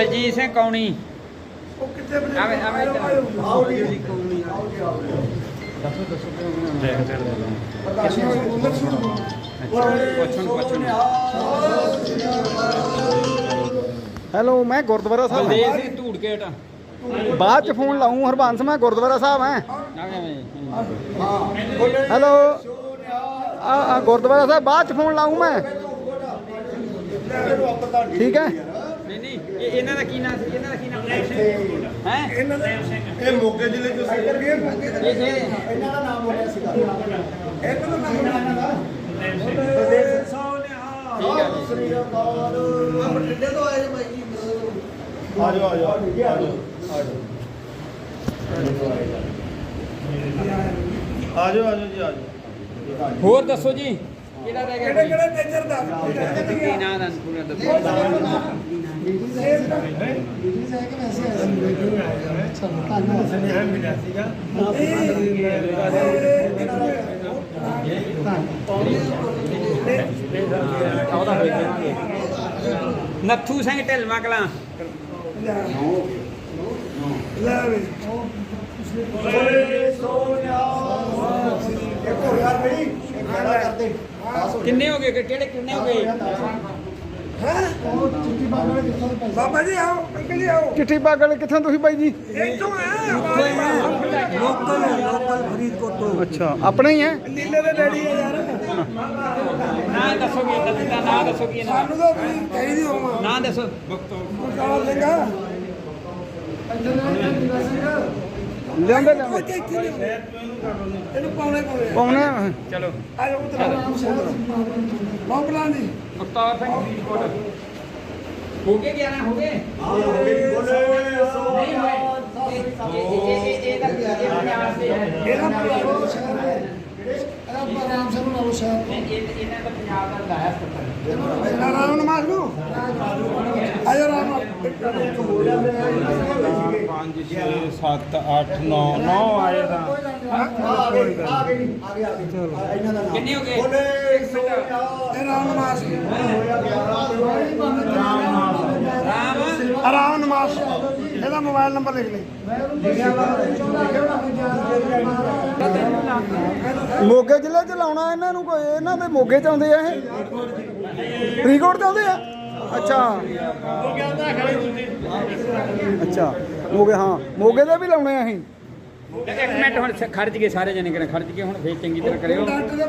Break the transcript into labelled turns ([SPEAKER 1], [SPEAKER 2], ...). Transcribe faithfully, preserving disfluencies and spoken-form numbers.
[SPEAKER 1] ਬਲਜੀਤ ਸਿੰਘ ਕੌਣੀ
[SPEAKER 2] ਉਹ ਕਿੱਥੇ ਬਣੇ
[SPEAKER 1] ਆਵੇ ਆਵੇ
[SPEAKER 2] ਆਓ ਜੀ ਕੌਣੀ
[SPEAKER 1] ਦੱਸੋ ਦੱਸੋ
[SPEAKER 2] ਦੇਖ ਤੇ
[SPEAKER 1] ਪੁੱਛਣ ਪੁੱਛਣ
[SPEAKER 3] ਹੈਲੋ ਮੈਂ ਗੁਰਦੁਆਰਾ ਸਾਹਿਬ
[SPEAKER 1] ਬਲਦੇਵ ਸਿੰਘ ਧੂੜਕੇਟ
[SPEAKER 3] ਬਾਅਦ ਚ ਫੋਨ ਲਾਉਂ ਹਰਬੰਸ ਮੈਂ ਗੁਰਦੁਆਰਾ ਸਾਹਿਬ ਹੈ ਹੈਲੋ ਆ ਆ ਗੁਰਦੁਆਰਾ ਸਾਹਿਬ ਬਾਅਦ ਚ ਫੋਨ ਲਾਉਂ ਮੈਂ ਠੀਕ ਹੈ
[SPEAKER 1] ਨਹੀਂ ਨਹੀਂ ਇਹ ਇਹਨਾਂ ਦਾ ਕੀ ਨਾਮ ਸੀ ਇਹਨਾਂ ਦਾ ਕੀ ਨਾਮ ਹੈ
[SPEAKER 2] ਇਹਨਾਂ ਦਾ ਇਹ ਮੋਗੇ ਜ਼ਿਲ੍ਹੇ ਚੋਂ ਸੀ
[SPEAKER 1] ਇਹ
[SPEAKER 2] ਇਹਨਾਂ ਦਾ ਨਾਮ ਬੋਲਿਆ ਸੀਗਾ ਇਹਨਾਂ ਦਾ ਨਾਮ ਇਹਨਾਂ ਦਾ ਪ੍ਰਦੇਸ਼ ਸੋਨਿਆ
[SPEAKER 1] ਠੀਕ ਹੈ ਜੀ।
[SPEAKER 2] ਸ੍ਰੀ ਅਕਾਲ ਆ ਬਠਿੰਡੇ ਤੋਂ ਆਏ ਜੀ ਬਾਈ ਜੀ ਆ ਜਾਓ ਆ ਜਾਓ ਆ ਜਾਓ ਆ ਜਾਓ ਆ ਜਾਓ ਜੀ ਆ ਜਾਓ
[SPEAKER 1] ਹੋਰ ਦੱਸੋ ਜੀ ਕਿਹੜਾ ਰਹਿ ਗਿਆ
[SPEAKER 2] ਕਿਹੜੇ ਕਿਹੜੇ ਨੇਚਰ ਦਾ
[SPEAKER 1] ਕੀ ਨਾਮ ਦਾ ਪੂਰਾ ਦੱਸੋ ਉਹਦਾ ਹੋਈ ਜਾਣਗੇ ਨੱਥੂ ਸਿੰਘ ਢਿਲਮਾ ਕਲਾਂ
[SPEAKER 2] ਲੈ ਵੇ ਓਏ ਸੋਨਿਆ ਇੱਕ ਹੋ ਯਾਰ ਬਈ ਇੱਕ ਖੜਾ ਕਰਦੇ
[SPEAKER 1] ਕਿੰਨੇ ਹੋ ਗਏ ਕਿਹੜੇ ਕਿੰਨੇ ਹੋ ਗਏ
[SPEAKER 2] ਹੈ ਬਾਬਾ ਜੀ ਆਓ ਅੰਕਲ ਜੀ ਆਓ
[SPEAKER 3] ਚਿੱਠੀ ਪਾਗਲ ਕਿੱਥੋਂ ਤੁਸੀਂ ਬਾਈ ਜੀ
[SPEAKER 2] ਇੱਥੋਂ ਆ ਲੋਕਲ ਲੋਕਲ ਫਰੀਦਕੋਟ ਤੋਂ
[SPEAKER 3] ਅੱਛਾ ਆਪਣੇ ਹੀ ਹੈ
[SPEAKER 2] ਨੀਲੇ ਦੇ ਡੈਡੀ ਆ ਯਾਰ
[SPEAKER 1] ਨਾਂ ਦੱਸੋਗੇ ਦਾ ਨਾਂ ਦੱਸੋਗੇ ਇਹਨਾਂ
[SPEAKER 2] ਸਾਨੂੰ ਤਾਂ ਵੀ ਚਾਹੀਦੀ ਹੋਵਾਂ
[SPEAKER 1] ਨਾਂ ਦੱਸੋ
[SPEAKER 2] ਬਕਾਲ ਸਿੰਘਾ
[SPEAKER 3] ਲਿਆਉਂਦੇ ਲਿਆਉਂਦੇ
[SPEAKER 2] ਇਹਨੂੰ ਪਾਉਣੇ ਪਾਉਣੇ
[SPEAKER 3] ਪਾਉਣੇ
[SPEAKER 1] ਚਲੋ
[SPEAKER 2] ਆ ਜਾਓ ਉਧਰ ਬਾਬਲਾ ਜੀ
[SPEAKER 1] ਮੁਖਤਾਰ ਸਿੰਘ ਫਰੀਦਕੋਟ ਹੋ ਗਏ ਗਿਆਰਾਂ ਹੋ ਗਏ
[SPEAKER 2] ਬੋਲੇ
[SPEAKER 1] ਨਹੀਂ ਹੋਏ ਇਹ ਇਹ ਇਹ ਇਹ ਦਾ ਇਹ ਪੰਜਾਬ ਦੇ ਹੈ
[SPEAKER 2] ਇਹਦਾ
[SPEAKER 3] ਰਾਮ ਸਿੰਘ ਨੂੰ ਸ਼ਹਿਰ
[SPEAKER 1] ਇਹ ਇਹਨਾਂ ਦਾ ਪੰਜਾਬ ਦਾ ਲਾਇਆ ਸੱਤਰ
[SPEAKER 2] ਰਾਮ ਨਮਾਜ਼ ਨੂੰ ਆ ਜਾ ਰਾਮ
[SPEAKER 4] ਪੰਜ ਛੇ ਸੱਤ ਅੱਠ ਨੌ ਨੌ ਆਏ ਤਾਂ
[SPEAKER 1] ਕਿੰਨੇ ਹੋ ਗਏ
[SPEAKER 2] ਇਹ ਰਾਮ ਨਮਾਜ਼
[SPEAKER 1] ਰਾਮ
[SPEAKER 2] ਆਰਾਮ ਨਮਾਜ਼ ਇਹਦਾ ਮੋਬਾਈਲ ਨੰਬਰ ਲਿਖ ਲੈ
[SPEAKER 3] ਮੋਗੇ ਜ਼ਿਲ੍ਹੇ ਚ ਲਾਉਣਾ ਇਹਨਾਂ ਨੂੰ ਕੋਈ ਇਹਨਾਂ ਦੇ ਮੋਗੇ ਚ ਆਉਂਦੇ ਆ ਇਹ ਫਰੀਦਕੋਟ ਚ ਆਉਂਦੇ ਆ ਅੱਛਾ ਅੱਛਾ ਮੋਗੇ ਹਾਂ ਮੋਗੇ ਦੇ ਵੀ ਲਾਉਣੇ ਆ ਅਸੀਂ
[SPEAKER 1] ਇੱਕ ਮਿੰਟ ਹੁਣ ਖਰਚ ਗਏ ਸਾਰੇ ਜਣੇ ਕਿਹਨੇ ਖਰਚ ਗਏ ਹੁਣ ਫੇਰ ਚੰਗੀ ਤਰ੍ਹਾਂ ਕਰਿਓ